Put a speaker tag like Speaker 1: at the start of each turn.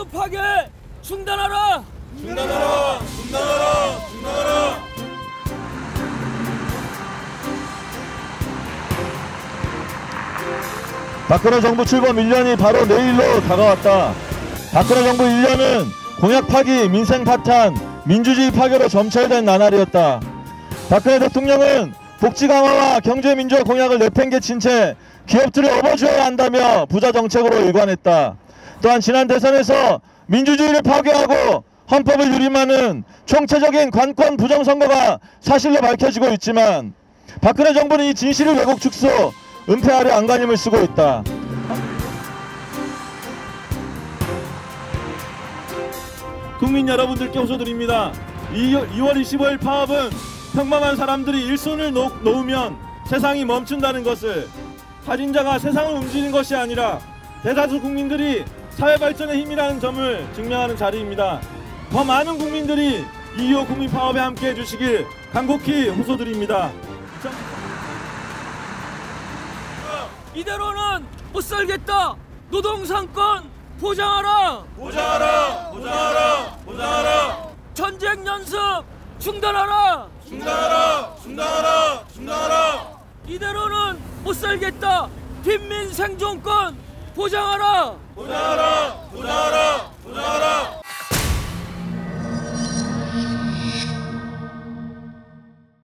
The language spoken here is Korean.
Speaker 1: 민주 파괴 중단하라!
Speaker 2: 중단하라! 중단하라! 중단하라!
Speaker 3: 박근혜 정부 출범 1년이 바로 내일로 다가왔다. 박근혜 정부 1년은 공약 파기, 민생 파탄, 민주주의 파괴로 점철된 나날이었다. 박근혜 대통령은 복지 강화와 경제 민주화 공약을 내팽개친 채 기업들을 업어줘야 한다며 부자 정책으로 일관했다. 또한 지난 대선에서 민주주의를 파괴하고 헌법을 유림하는 총체적인 관권 부정선거가 사실로 밝혀지고 있지만 박근혜 정부는 이 진실을 왜곡 축소, 은폐하려 안간힘을 쓰고 있다.
Speaker 4: 국민 여러분들께 호소드립니다. 2월 25일 파업은 평범한 사람들이 일손을 놓으면 세상이 멈춘다는 것을, 살인자가 세상을 움직이는 것이 아니라 대다수 국민들이 사회 발전의 힘이라는 점을 증명하는 자리입니다. 더 많은 국민들이 2.25 국민 파업에 함께해 주시길 간곡히 호소드립니다.
Speaker 1: 이대로는 못 살겠다. 노동상권 보장하라.
Speaker 2: 보장하라! 보장하라! 보장하라!
Speaker 1: 전쟁 연습 중단하라.
Speaker 2: 중단하라! 중단하라! 중단하라!
Speaker 1: 이대로는 못 살겠다. 빈민 생존권 보장하라.
Speaker 2: 보장하라! 보장하라! 보장하라!